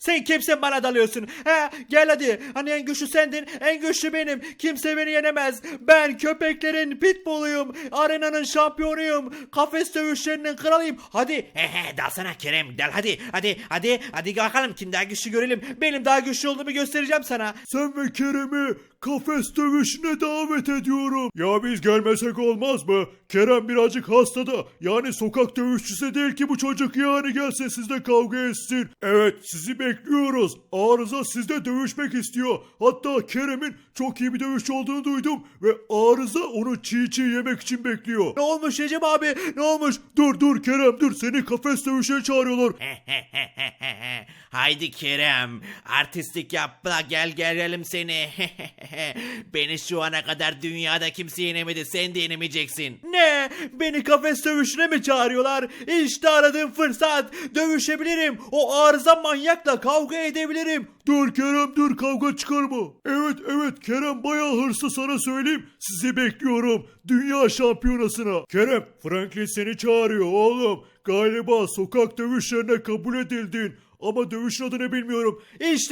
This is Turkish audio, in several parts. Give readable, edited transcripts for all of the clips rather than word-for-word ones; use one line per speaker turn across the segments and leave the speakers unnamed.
Sen kimsin bana dalıyorsun? He, gel hadi. Hani en güçlü sendin, en güçlü benim. Kimse beni yenemez. Ben köpeklerin pitbulluyum. Arenanın şampiyonuyum. Kafes dövüşlerinin kralıyım. Hadi. He, dalsana Kerem. Dal hadi. Hadi bakalım kim daha güçlü görelim. Benim daha güçlü olduğumu göstereceğim sana.
Sen ve Kerem'i kafes dövüşüne davet ediyorum. Ya biz gelmesek olmaz mı? Kerem birazcık hasta da. Yani sokak dövüşçüsü değil ki bu çocuk, yani gelsin sizle kavga etsin. Evet, sizi bekliyoruz. Arıza sizle dövüşmek istiyor. Hatta Kerem'in çok iyi bir dövüşçü olduğunu duydum ve Arıza onu çiğ yemek için bekliyor.
Ne olmuş Recep abi? Ne olmuş?
Dur Kerem dur, seni kafes dövüşüne çağırıyorlar.
Haydi Kerem, artistlik yapma, gelelim seni. Beni şu ana kadar dünyada kimse yenemedi, sen de yenemeyeceksin. Ne? Beni kafes dövüşüne mi çağırıyorlar? İşte aradığım fırsat. Dövüşebilirim. O arıza manyakla kavga edebilirim.
Dur Kerem dur, kavga çıkarma. Evet Kerem bayağı hırslı, sana söyleyeyim. Sizi bekliyorum dünya şampiyonasına. Kerem, Franklin seni çağırıyor oğlum. Galiba sokak dövüşlerine kabul edildin. Ama dövüşün adını bilmiyorum.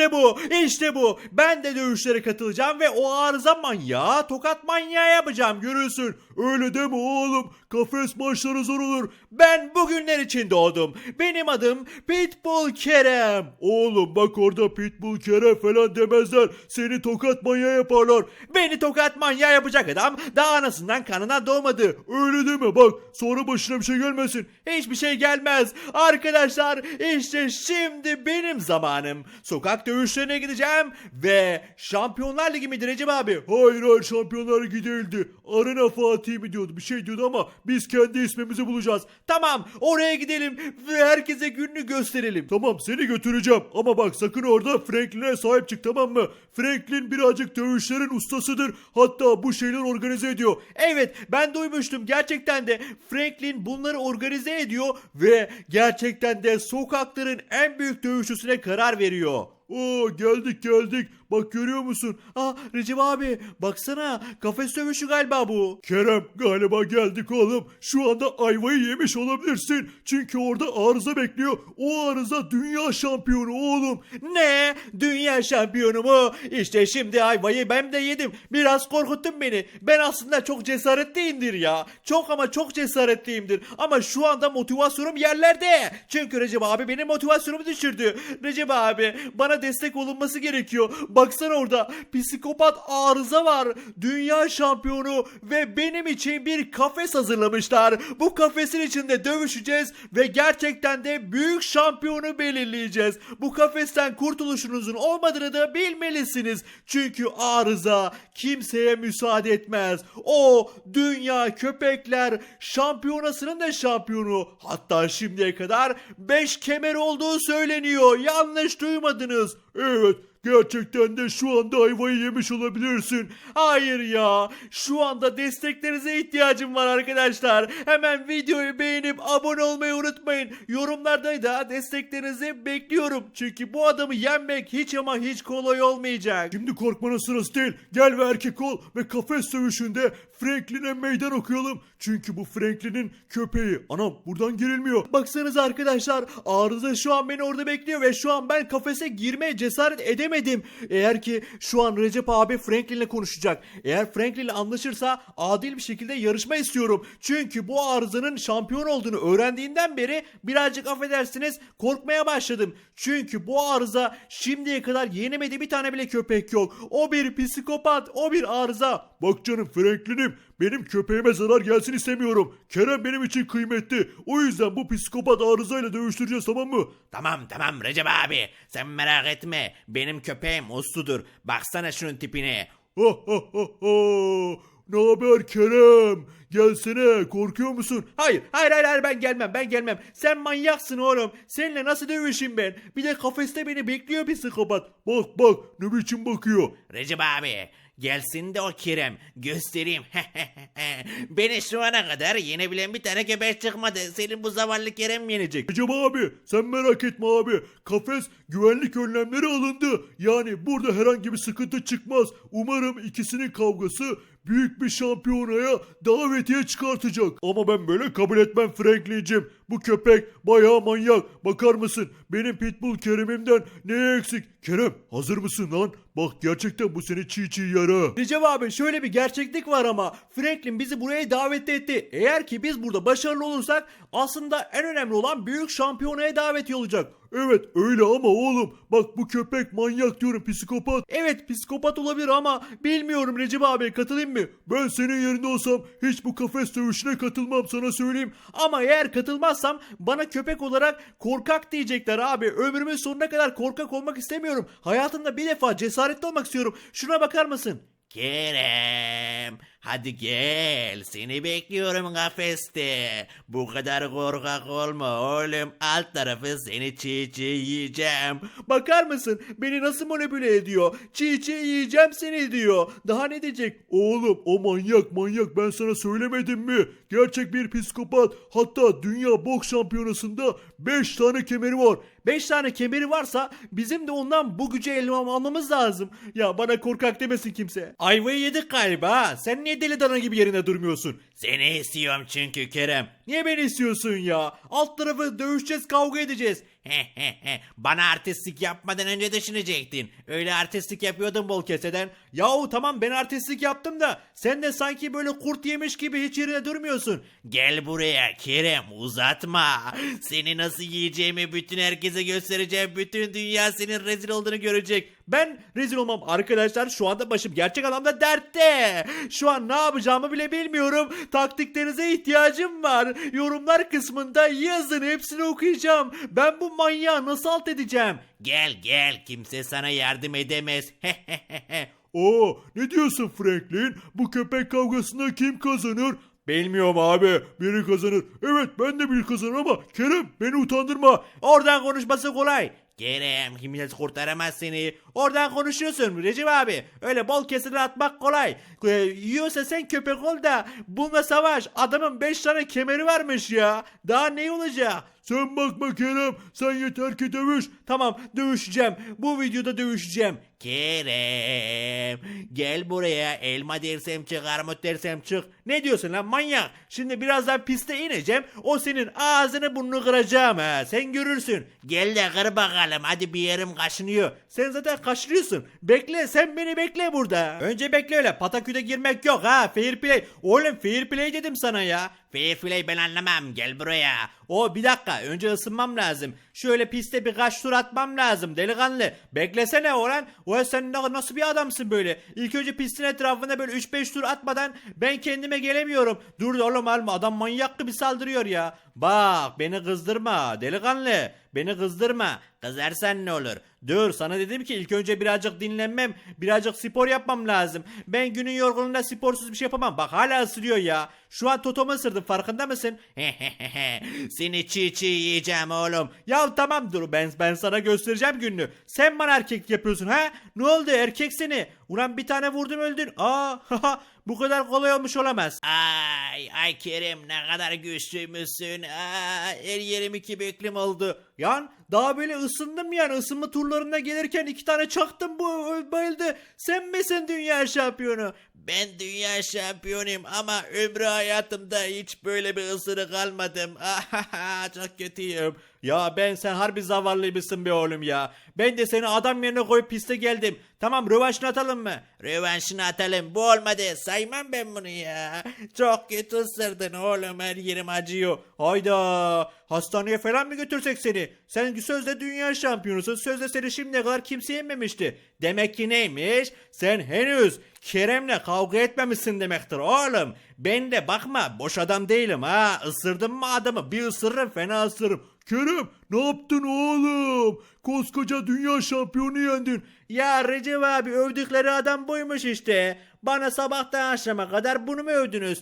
İşte bu. Ben de dövüşlere katılacağım ve o arıza manyağı tokat manyağı yapacağım, görürsün.
Öyle deme oğlum. Kafes maçları zor olur.
Ben bugünler için doğdum. Benim adım Pitbull Kerem.
Oğlum bak, orada Pitbull Kerem falan demezler. Seni tokat manyağı yaparlar.
Beni tokat manyağı yapacak adam daha anasından kanına doğmadı.
Öyle deme bak, sonra başına bir şey gelmesin.
Hiçbir şey gelmez. Arkadaşlar, işte şimdi benim zamanım. Sokak dövüşlerine gideceğim ve Şampiyonlar Ligi midir Recep abi?
Hayır, Şampiyonlar Ligi değildi. Arena Fatih mi diyordu, bir şey diyordu ama biz kendi ismimizi bulacağız.
Tamam, oraya gidelim ve herkese gününü gösterelim.
Tamam, seni götüreceğim ama bak sakın orada Franklin'e sahip çık, tamam mı? Franklin birazcık dövüşlerin ustasıdır. Hatta bu şeyler organize ediyor.
Evet, ben duymuştum, gerçekten de Franklin bunları organize ediyor ve gerçekten de sokakların en büyük dövüşçüsüne karar veriyor.
Oo, geldik. Bak görüyor musun?
Recep abi baksana, kafes dövüşü galiba bu.
Kerem, galiba geldik oğlum. Şu anda ayvayı yemiş olabilirsin. Çünkü orada arıza bekliyor. O arıza dünya şampiyonu oğlum.
Ne? Dünya şampiyonu mu? İşte şimdi ayvayı ben de yedim. Biraz korkuttun beni. Ben aslında çok cesaretliyimdir ya. Çok cesaretliyimdir. Ama şu anda motivasyonum yerlerde. Çünkü Recep abi benim motivasyonumu düşürdü. Recep abi, bana destek olunması gerekiyor. Baksana, orada psikopat arıza var. Dünya şampiyonu ve benim için bir kafes hazırlamışlar. Bu kafesin içinde dövüşeceğiz ve gerçekten de büyük şampiyonu belirleyeceğiz. Bu kafesten kurtuluşunuzun olmadığını da bilmelisiniz. Çünkü arıza kimseye müsaade etmez. O dünya köpekler şampiyonasının da şampiyonu. Hatta şimdiye kadar 5 kemer olduğu söyleniyor. Yanlış duymadınız.
Evet, gerçekten de şu anda ayvayı yemiş olabilirsin.
Hayır ya. Şu anda desteklerinize ihtiyacım var arkadaşlar. Hemen videoyu beğenip abone olmayı unutmayın. Yorumlarda da desteklerinizi bekliyorum. Çünkü bu adamı yenmek hiç ama hiç kolay olmayacak.
Şimdi korkmanın sırası değil. Gel ve erkek ol ve kafes dövüşünde Franklin'e meydan okuyalım. Çünkü bu Franklin'in köpeği. Anam, buradan girilmiyor.
Baksanıza arkadaşlar, arıza şu an beni orada bekliyor ve şu an ben kafese girmeye cesaret edemedim. Eğer ki şu an Recep abi Franklin'le konuşacak. Eğer Franklin'le anlaşırsa adil bir şekilde yarışma istiyorum. Çünkü bu arızanın şampiyon olduğunu öğrendiğinden beri birazcık affedersiniz korkmaya başladım. Çünkü bu arıza şimdiye kadar yenemediği bir tane bile köpek yok. O bir psikopat, o bir arıza.
Bak canım Franklin'im, benim köpeğime zarar gelsin istemiyorum. Kerem benim için kıymetli. O yüzden bu psikopat arızayla dövüştüreceğiz, tamam mı?
Tamam Recep abi, sen merak etme, benim köpeğim usludur. Baksana şunun tipine.
Ne haber Kerem? Gelsene, korkuyor musun?
Hayır, ben gelmem. Sen manyaksın oğlum. Seninle nasıl dövüşeyim ben? Bir de kafeste beni bekliyor bir psikopat.
Bak ne biçim bakıyor.
Recep abi, gelsin de o Kerem göstereyim. Beni şu ana kadar yenebilen bir tane köpek çıkmadı. Senin bu zavallı Kerem yenecek.
Recep abi, sen merak etme abi. Kafes güvenlik önlemleri alındı. Yani burada herhangi bir sıkıntı çıkmaz. Umarım ikisinin kavgası büyük bir şampiyonaya davetiye çıkartacak. Ama ben böyle kabul etmem Franklin'cim. Bu köpek bayağı manyak. Bakar mısın? Benim Pitbull Kerem'imden neye eksik? Kerem hazır mısın lan? Bak gerçekten bu seni çiğ çiğ yara.
Recep abi şöyle bir gerçeklik var ama Franklin bizi buraya davet etti. Eğer ki biz burada başarılı olursak aslında en önemli olan büyük şampiyonaya daveti olacak.
Evet öyle ama oğlum bak bu köpek manyak diyorum psikopat.
Evet psikopat olabilir ama bilmiyorum Recep abi katılayım mı?
Ben senin yerinde olsam hiç bu kafes dövüşüne katılmam sana söyleyeyim.
Ama eğer katılmazsam bana köpek olarak korkak diyecekler abi. Ömrümün sonuna kadar korkak olmak istemiyorum. Hayatımda bir defa cesaretli olmak istiyorum. Şuna bakar mısın?
Kerem, hadi gel. Seni bekliyorum kafeste. Bu kadar korkak olma oğlum. Alt tarafı seni çiğ çiğ yiyeceğim.
Bakar mısın? Beni nasıl manipüle ediyor? Çiğ çiğ yiyeceğim seni diyor. Daha ne diyecek?
Oğlum o manyak ben sana söylemedim mi? Gerçek bir psikopat. Hatta dünya boks şampiyonasında 5 tane kemeri var.
5 tane kemeri varsa bizim de ondan bu gücü elime almamız lazım. Ya bana korkak demesin kimse. Ayvayı yedik galiba ha. Sen niye deli dana gibi yerinde durmuyorsun?
Seni istiyorum çünkü Kerem.
Niye beni istiyorsun ya? Alt tarafı dövüşeceğiz, kavga edeceğiz.
Bana artistlik yapmadan önce düşünecektin. Öyle artistlik yapıyordun bol keseden.
Yahu tamam ben artistlik yaptım da sen de sanki böyle kurt yemiş gibi hiç yerine durmuyorsun.
Gel buraya Kerem, uzatma. Seni nasıl yiyeceğimi bütün herkese göstereceğim. Bütün dünya senin rezil olduğunu görecek.
Ben rezil olmam arkadaşlar, şu anda başım gerçek anlamda dertte. Şu an ne yapacağımı bile bilmiyorum. Taktiklerinize ihtiyacım var. Yorumlar kısmında yazın, hepsini okuyacağım. Ben bu manyağı nasıl alt edeceğim?
Gel, kimse sana yardım edemez.
Oo ne diyorsun Franklin? Bu köpek kavgasında kim kazanır?
Bilmiyorum abi.
Biri kazanır. Evet ben de biri kazanır ama Kerem beni utandırma.
Oradan konuşması kolay.
Kerem, kimse kurtaramaz seni.
Oradan konuşuyorsun Recep abi. Öyle bol kesene atmak kolay. Yiyorsa sen köpek ol da bununla savaş. Adamın 5 tane kemeri varmış ya. Daha ne olacak?
Sen bakma Kerem. Sen yeter ki dövüş.
Tamam dövüşeceğim. Bu videoda dövüşeceğim.
Kerem, gel buraya. Elma dersem çık, armut dersem çık.
Ne diyorsun lan manyak? Şimdi birazdan piste ineceğim. O senin ağzını burnunu kıracağım ha. Sen görürsün.
Gel de kır bakalım. Hadi bir yerim kaşınıyor.
Sen zaten kaçırıyorsun. Bekle, sen beni bekle burada. Önce bekle öyle. Pataküde girmek yok ha. Fair play. Oğlum fair play dedim sana ya.
Fair play ben anlamam. Gel buraya.
O bir dakika, önce ısınmam lazım. Şöyle piste birkaç tur atmam lazım delikanlı. Beklesene oğlan. O sen nasıl bir adamsın böyle? İlk önce pistin etrafında böyle 3-5 tur atmadan ben kendime gelemiyorum. Dur oğlum alma, adam manyak gibi saldırıyor ya. Bak beni kızdırma delikanlı. Beni kızdırma.
Kızarsan ne olur?
Dur, sana dedim ki ilk önce birazcık dinlenmem, birazcık spor yapmam lazım. Ben günün yorgunluğunda sporsuz bir şey yapamam. Bak hala ısırıyor ya. Şu an totomu ısırdım, farkında mısın?
Seni çiğ çiğ yiyeceğim oğlum.
Ya tamam dur, ben sana göstereceğim gününü. Sen bana erkek yapıyorsun ha? Ne oldu erkek seni? Ulan bir tane vurdum öldün. Bu kadar kolay olmuş olamaz.
Ay Kerem ne kadar güçlüymüşsün. Her yerim iki büklüm oldu.
Yan daha böyle ısındım yani, ısınma turlarına gelirken 2 tane çaktım, bu bayıldı. Sen misin dünya şampiyonu?
Ben dünya şampiyonuyum ama ömrü hayatımda hiç böyle bir ısırık almadım. Çok kötüyüm.
Ya sen harbi zavallıymışsın be oğlum ya. Ben de seni adam yerine koyup piste geldim. Tamam, rövanşını atalım mı?
Rövanşını atalım. Bu olmadı. Saymam ben bunu ya. Çok kötü ısırdın oğlum. Her yerim acıyor.
Hayda, hastaneye falan mı götürsek seni? Sen sözde dünya şampiyonusun. Sözde seni şimdiye kadar kimse yememişti. Demek ki neymiş? Sen henüz Kerem'le kavga etmemişsin demektir oğlum. Ben de bakma boş adam değilim ha. Isırdım mı adamı bir ısırırım, fena ısırırım.
Kerem ne yaptın oğlum? Koskoca dünya şampiyonu yendin.
Ya Recep abi, övdükleri adam buymuş işte. Bana sabahtan akşama kadar bunu mu övdünüz?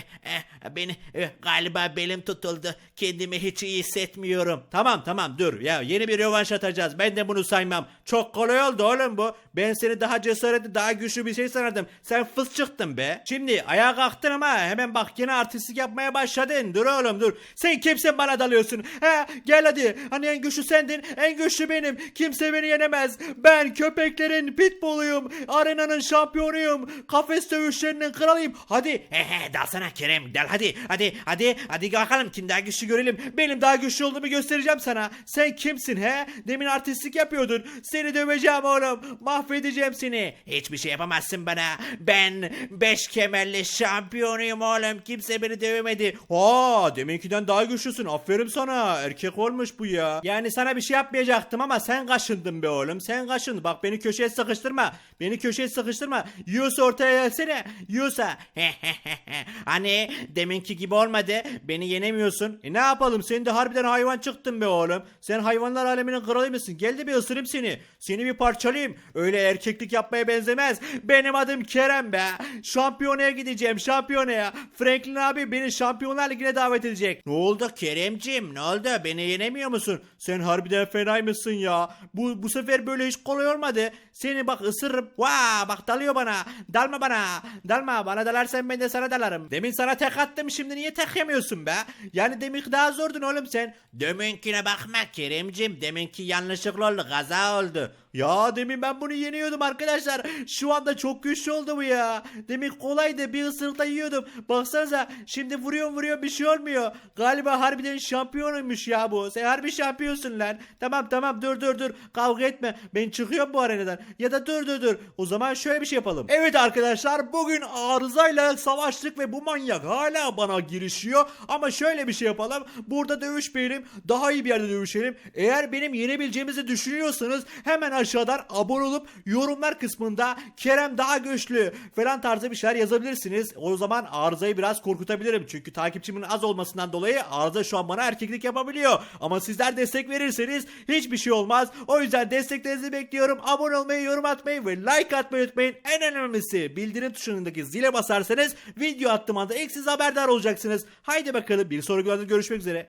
Beni galiba belim tutuldu. Kendimi hiç iyi hissetmiyorum.
Tamam dur ya, yeni bir rövanş atacağız. Ben de bunu saymam. Çok kolay oldu oğlum bu. Ben seni daha cesaretli, daha güçlü bir şey sanırdım. Sen fıs çıktın be. Şimdi ayağa kalktın ama hemen bak yine artistlik yapmaya başladın. Dur oğlum dur. Sen kimsin bana dalıyorsun? Gel hadi Hani en güçlü sendin, en güçlü benim. Kimse beni yenemez. Ben köpeklerin pitbulluyum. Arenanın şampiyonuyum. Kafes dövüşlerinin kralıyım. Hadi.
Dalsana Kerem, dal hadi bakalım kim daha güçlü görelim.
Benim daha güçlü olduğumu göstereceğim sana. Sen kimsin he? Demin artistlik yapıyordun. Seni döveceğim oğlum. Mahvedeceğim seni.
Hiçbir şey yapamazsın bana. Ben 5 kemerli şampiyonuyum oğlum. Kimse beni dövemedi.
Aa, deminkiden daha güçlüsün. Aferin sana. Erkek olmuş bu ya. Yani sana bir şey yapmayacaktım ama sen kaşındın be oğlum. Sen kaşındın. Bak beni köşeye sıkıştırma. Beni köşeye sıkıştırma. Yiyorsa ortaya gelsene. Yiyorsa.
Hani deminki gibi olmadı.
Beni yenemiyorsun. Ne yapalım? Sen de harbiden hayvan çıktın be oğlum. Sen hayvanlar aleminin kralı mısın? Gel de bir ısırayım seni. Seni bir parçalayayım. Öyle erkeklik yapmaya benzemez. Benim adım Kerem be. Şampiyonaya gideceğim. Şampiyonaya. Franklin abi beni Şampiyonlar Ligi'ne davet edecek.
Ne oldu Keremcim, ne oldu, beni yenemiyor musun?
Sen harbiden fenaymışsın ya. Bu sefer böyle hiç kolay olmadı. Seni bak ısırırım. Vaa bak dalıyor bana. Dalma bana. Dalma. Bana dalarsan ben de sana dalarım. Demin sana tek attım, şimdi niye tek yemiyorsun be? Yani demin daha zordun oğlum sen.
Deminkine bakma Keremcim, deminki yanlışlıkla oldu, kaza oldu.
Ya demin ben bunu yeniyordum arkadaşlar. Şu anda çok güçlü oldu bu ya. Demin kolaydı, bir ısırıkla yiyordum. Baksanıza şimdi vuruyorum bir şey olmuyor. Galiba harbiden şampiyonuymuş ya bu. Sen harbi şampiyonsun lan. Tamam dur. Kavga etme. Ben çıkıyorum bu arenadan. Ya da dur. O zaman şöyle bir şey yapalım. Evet arkadaşlar, bugün arızayla savaştık ve bu manyak hala bana girişiyor. Ama şöyle bir şey yapalım. Burada dövüşmeyelim. Daha iyi bir yerde dövüşelim. Eğer benim yenebileceğimizi düşünüyorsanız hemen aşağıdan abone olup yorumlar kısmında Kerem daha güçlü falan tarzı bir şeyler yazabilirsiniz. O zaman Arıza'yı biraz korkutabilirim. Çünkü takipçimin az olmasından dolayı Arıza şu an bana erkeklik yapabiliyor. Ama sizler destek verirseniz hiçbir şey olmaz. O yüzden desteklerinizi bekliyorum. Abone olmayı, yorum atmayı ve like atmayı unutmayın. En önemlisi bildirim tuşundaki zile basarsanız video attığım anda ilk siz haberdar olacaksınız. Haydi bakalım, bir sonraki videoda görüşmek üzere.